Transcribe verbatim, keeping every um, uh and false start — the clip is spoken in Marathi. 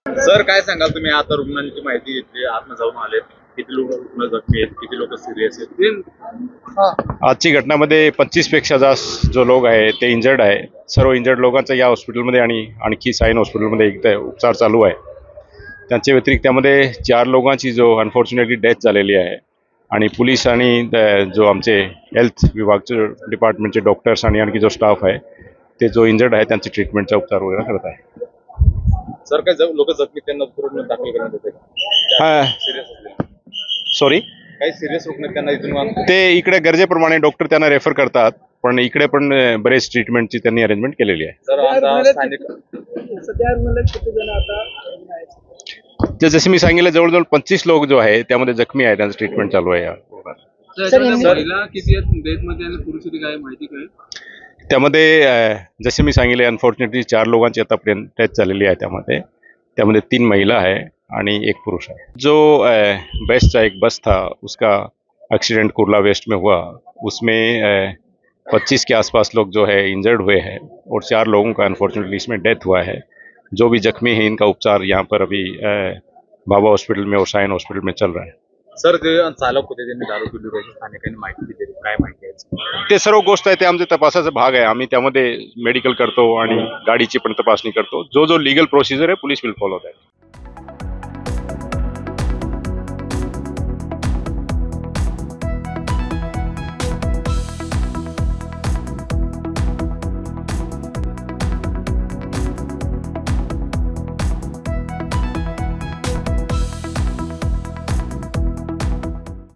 सर काय सांगाल तुम्ही आता रुग्णांची माहिती घेतली, आतमध्ये जाऊन आलेत, किती लोक रुग्ण जखमी आहेत, किती लोक सिरियस आहेत? आजची घटनामध्ये पंचवीस पेक्षा जास्त जो लोक आहे ते इंजर्ड आहे. सर्व इंजर्ड लोकांचा या हॉस्पिटलमध्ये आणि आणखी साईन हॉस्पिटलमध्ये एकदा उपचार चालू आहे. त्यांच्या व्यतिरिक्त त्यामध्ये चार लोकांची जो अनफॉर्च्युनेटली डेथ झालेली आहे आणि पोलीस आणि जो आमचे हेल्थ विभागचे डिपार्टमेंटचे डॉक्टर्स आणि आणखी जो स्टाफ आहे ते जो इंजर्ड आहे त्यांचे ट्रीटमेंटचा उपचार वगैरे करत आहे. सर काय लोक जखमी त्यांना रुग्ण दाखल करण्यात येते हा सिरियस सॉरी काही सिरियस रुग्ण त्यांना इथून ते इकडे गरजेप्रमाणे डॉक्टर त्यांना रेफर करतात, पण इकडे पण बरेच ट्रीटमेंटची त्यांनी अरेंजमेंट केलेली आहे. सर आता स्थानिक सध्या रुग्णालयात किती जण आता तर जसे मी सांगितलं जवळजवळ पंचवीस लोक जो आहे त्यामध्ये जखमी आहे, त्यांचं ट्रीटमेंट चालू आहे. महिला किती आहेत डेथ मध्ये आणि पुरुष किती काय माहिती काय? त्यामध्ये जसे मी सांगितले अनफॉर्च्युनेटली चार लोकांची आतापर्यंत डेथ झालेली आहे. त्यामध्ये त्यामध्ये तीन महिला आहे आणि एक पुरुष है। जो बेस्ट का एक बस था उसका एक्सीडेंट कुर्ला वेस्ट में हुआ, उसमें पच्चीस के आसपास लोग जो है इंजर्ड हुए हैं और चार लोगों का अनफॉर्चुनेटली इसमें डेथ हुआ है। जो भी जख्मी है इनका उपचार यहाँ पर अभी बाबा हॉस्पिटल में और साइन हॉस्पिटल में चल रहा है। सर ते चालक होते त्यांनी दारू पिली होती, स्थानिकांनी माहिती दिली, काय माहिती आहे? ते सर्व गोष्ट आहे ते आमच्या तपासाचा भाग आहे. आम्ही त्यामध्ये मेडिकल करतो आणि गाडीची पण तपासणी करतो. जो जो लीगल प्रोसिजर आहे पोलीस विल फॉलो दॅट.